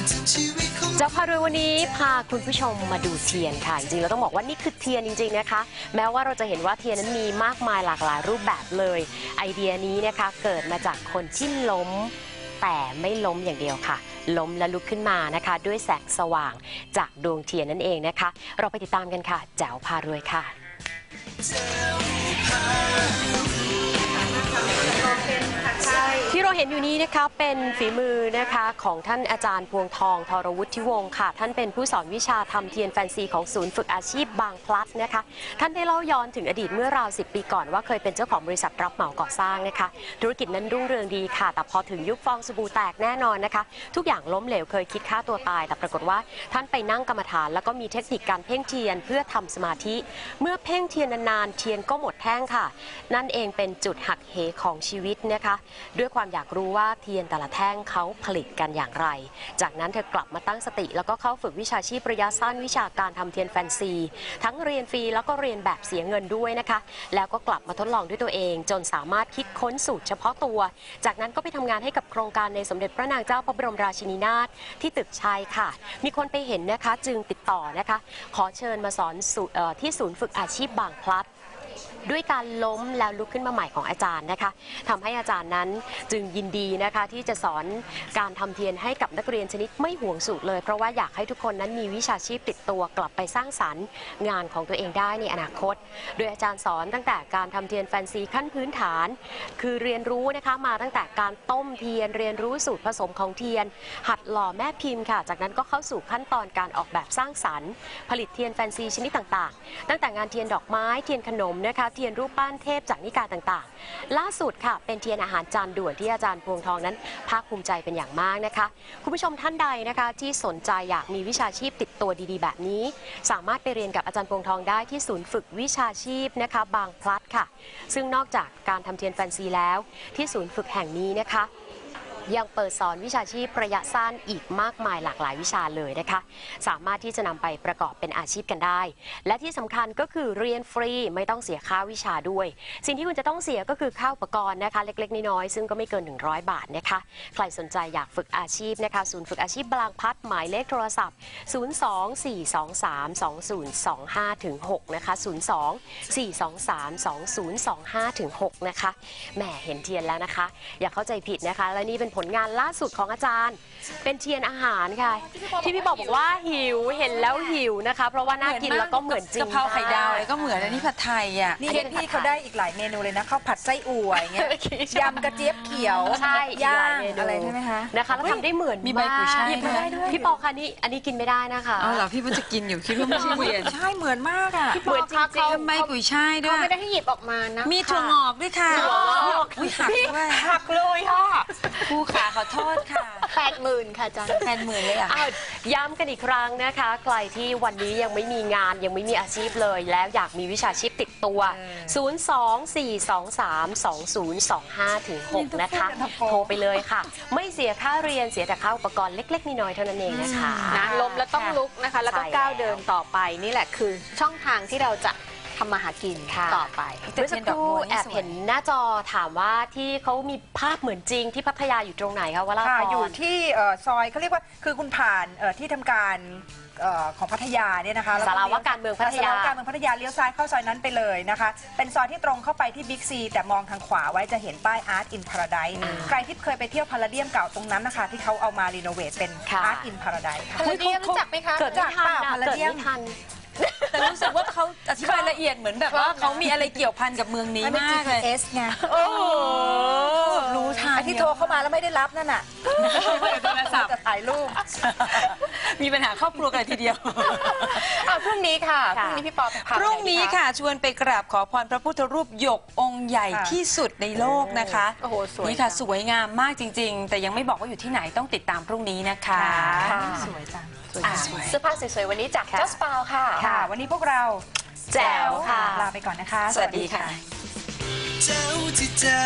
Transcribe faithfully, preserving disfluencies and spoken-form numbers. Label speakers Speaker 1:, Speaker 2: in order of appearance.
Speaker 1: เจ้าพารวยวันนี้พาคุณผู้ชมมาดูเทียนค่ะจริงๆเราต้องบอกว่านี่คือเทียนจริงๆนะคะแม้ว่าเราจะเห็นว่าเทียนนั้นมีมากมายหลากหลายรูปแบบเลยไอเดียนี้นะคะเกิดมาจากคนที่ล้มแต่ไม่ล้มอย่างเดียวค่ะล้มและลุกขึ้นมานะคะด้วยแสงสว่างจากดวงเทียนนั่นเองนะคะเราไปติดตามกันค่ะแจ๋วพารวยค่ะที่เราเห็นอยู่นี้นะคะเป็นฝีมือนะคะของท่านอาจารย์พวงทองธรวุฒิวงศ์ค่ะท่านเป็นผู้สอนวิชาทำเทียนแฟนซีของศูนย์ฝึกอาชีพบางพลัดนะคะท่านได้เล่าย้อนถึงอดีตเมื่อราวสิบปีก่อนว่าเคยเป็นเจ้าของบริษัทรับเหมาก่อสร้างนะคะธุรกิจนั้นรุ่งเรืองดีค่ะแต่พอถึงยุคฟองสบู่แตกแน่นอนนะคะทุกอย่างล้มเหลวเคยคิดฆ่าตัวตายแต่ปรากฏว่าท่านไปนั่งกรรมฐานแล้วก็มีเทคนิคการเพ่งเทียนเพื่อทำสมาธิเมื่อเพ่งเทียนนานๆเทียนก็หมดแท่งค่ะนั่นเองเป็นจุดหักเหของชีวิตนะคะด้วยความอยากรู้ว่าเทียนแต่ละแท่งเขาผลิตกันอย่างไรจากนั้นเธอกลับมาตั้งสติแล้วก็เข้าฝึกวิชาชีพระยะสั้นวิชาการทำเทียนแฟนซีทั้งเรียนฟรีแล้วก็เรียนแบบเสียเงินด้วยนะคะแล้วก็กลับมาทดลองด้วยตัวเองจนสามารถคิดค้นสูตรเฉพาะตัวจากนั้นก็ไปทำงานให้กับโครงการในสมเด็จพระนางเจ้าพระบรมราชินีนาถที่ตึกชัยค่ะมีคนไปเห็นนะคะจึงติดต่อนะคะขอเชิญมาสอนที่ศูนย์ฝึกอาชีพบางพลัดด้วยการล้มแล้วลุกขึ้นมาใหม่ของอาจารย์นะคะทำให้อาจารย์นั้นจึงยินดีนะคะที่จะสอนการทำเทียนให้กับนักเรียนชนิดไม่ห่วงสูตรเลยเพราะว่าอยากให้ทุกคนนั้นมีวิชาชีพติดตัวกลับไปสร้างสรรค์งานของตัวเองได้ในอนาคตโดยอาจารย์สอนตั้งแต่การทำเทียนแฟนซีขั้นพื้นฐานคือเรียนรู้นะคะมาตั้งแต่การต้มเทียนเรียนรู้สูตรผสมของเทียนหัดหล่อแม่พิมพ์ค่ะจากนั้นก็เข้าสู่ขั้นตอนการออกแบบสร้างสรรค์ผลิตเทียนแฟนซีชนิดต่างๆตั้งแต่งานเทียนดอกไม้เทียนขนมนะคะเทียนรูปปั้นเทพจากนิกายต่างๆล่าสุดค่ะเป็นเทียนอาหารจานด่วนที่อาจารย์พวงทองนั้นภาคภูมิใจเป็นอย่างมากนะคะคุณผู้ชมท่านใดนะคะที่สนใจอยากมีวิชาชีพติดตัวดีๆแบบนี้สามารถไปเรียนกับอาจารย์พวงทองได้ที่ศูนย์ฝึกวิชาชีพนะคะบางพลัดค่ะซึ่งนอกจากการทำเทียนแฟนซีแล้วที่ศูนย์ฝึกแห่งนี้นะคะยังเปิดสอนวิชาชีพระยะสั้นอีกมากมายหลากหลายวิชาเลยนะคะสามารถที่จะนำไปประกอบเป็นอาชีพกันได้และที่สำคัญก็คือเรียนฟรีไม่ต้องเสียค่าวิชาด้วยสิ่งที่คุณจะต้องเสียก็คือค่าอุปกรณ์นะคะเล็กๆน้อยๆซึ่งก็ไม่เกินหนึ่งร้อยบาทนะคะใครสนใจอยากฝึกอาชีพนะคะศูนย์ฝึกอาชีพบางพลัดหมายเลขโทรศัพท์ศูนย์ สอง สี่ สอง สาม สอง ศูนย์ สอง ห้า ถึง หกนะคะศูนย์ สอง สี่ สอง สาม สอง ศูนย์ สอง ห้า ถึง หกนะคะแหมเห็นเทียนแล้วนะคะอย่าเข้าใจผิดนะคะและนี่เป็นผลงานล่าสุดของอาจารย์เป็นเทียนอาหารค่ะที่พี่บอกบอกว่าหิวเห็นแล้วหิวนะคะเพราะว่าน่ากินแล้วก็เหมือนจริง
Speaker 2: กะเพราไข่ดาวเลยก็เหมือนอันนี้ผัดไทยอ่ะ
Speaker 3: นี่พี่เขาได้อีกหลายเมนูเลยนะข้าวผัดไส้อั่วอย่างเงี้ยยำกระเจี๊ยบเขียว
Speaker 1: ใช่
Speaker 3: ย่างอะไรใช่ไหมคะ
Speaker 1: นะคะแล้วทำได้เหมือน
Speaker 2: มีใบกุยช่าย
Speaker 1: ด้วยพี่ปอค่ะนี่อันนี้กินไม่ได้นะคะ
Speaker 2: อ๋อเหรอพี่มันจะกินอยู่คิดว่าไม่ใช่เทียน
Speaker 3: ใช่เหมือนมากอ่ะ
Speaker 1: เหมือนจริง
Speaker 2: ๆใบกุยช่ายด้วย
Speaker 4: เขาไม่ได้ให้หยิบออกมานะ
Speaker 2: มีถั่วงอกด้วยค่ะอุ้ยหักด้วย
Speaker 1: หักเลยค่ะ
Speaker 2: ผู้ขาขอโทษค่ะ
Speaker 4: แปดหมื่นค่ะอาจารย์
Speaker 2: แปดหมื่นเลยอ่ะ
Speaker 1: ย้ำกันอีกครั้งนะคะใครที่วันนี้ยังไม่มีงานยังไม่มีอาชีพเลยแล้วอยากมีวิชาชีพติดตัวศูนย์ สอง สี่ สอง สาม สอง ศูนย์ สอง ห้า ถึง หกนะคะโทรไปเลยค่ะไม่เสียค่าเรียนเสียแต่ค่าอุปกรณ์เล็กๆน้อยๆเท่านั้นเองนะคะ
Speaker 4: นะล้มแล้วต้องลุกนะคะแล้วก็ก้าวเดินต่อไปนี่แหละคือช่องทางที่เราจะทำมาหากินต่อไป
Speaker 1: เมื่อสักครู่แอบเห็นหน้าจอถามว่าที่เขามีภาพเหมือนจริงที่พัทยาอยู่ตรงไหนคะวราพร
Speaker 3: อยู่ที่ซอยเขาเรียกว่าคือคุณผ่านที่ทำการของพัทยาเนี่ยนะคะ
Speaker 1: สาราว่าการเมืองพัทยา
Speaker 3: สาราว่าการเมืองพัทยาเลี้ยวซ้ายเข้าซอยนั้นไปเลยนะคะเป็นซอยที่ตรงเข้าไปที่บิ๊กซีแต่มองทางขวาไว้จะเห็นป้าย Art in Paradise ใครที่เคยไปเที่ยวพาราเดียมเก่าตรงนั้นนะคะที่เขาเอามารีโนเวทเป็น Art in Paradise ค่ะ
Speaker 4: พาราเดียมรู้จักไหมคะ
Speaker 1: เกิดไม่ทัน
Speaker 3: พาราเดียมทัน
Speaker 2: แต่รู้สึกว่าเขาอธิบายละเอียดเหมือนแบบว่าเขามีอะไรเกี่ยวพันกับเมืองนี้มากเลย
Speaker 3: จี พี เอส ไง
Speaker 2: รู้ทัน
Speaker 3: ที่โทรเข้ามาแล้วไม่ได้รับนั่นน่ะ
Speaker 2: โทรศัพท์
Speaker 3: จะถ่ายรูป
Speaker 2: มีปัญหาครอบครัวกันทีเดียว
Speaker 4: พรุ่งนี้ค่ะพรุ่งนี้พี่ปอ
Speaker 2: พรุ่งนี้ค่ะชวนไปกราบขอพรพระพุทธรูปหยกองค์ใหญ่ที่สุดในโลกนะคะ
Speaker 4: โอ้โหสวย
Speaker 2: นี่ค่ะสวยงามมากจริงๆแต่ยังไม่บอกว่าอยู่ที่ไหนต้องติดตามพรุ่งนี้นะคะ
Speaker 3: สวยจัง
Speaker 4: เสื้อผ้าสวยๆวันนี้จากจัสปาวค่ะ
Speaker 3: ค่ะวันนี้พวกเรา
Speaker 1: แจ๋วค่ะ
Speaker 3: ลาไปก่อนนะคะ
Speaker 2: สวัสดีค่ะ
Speaker 5: แจ๋วที่แจ๋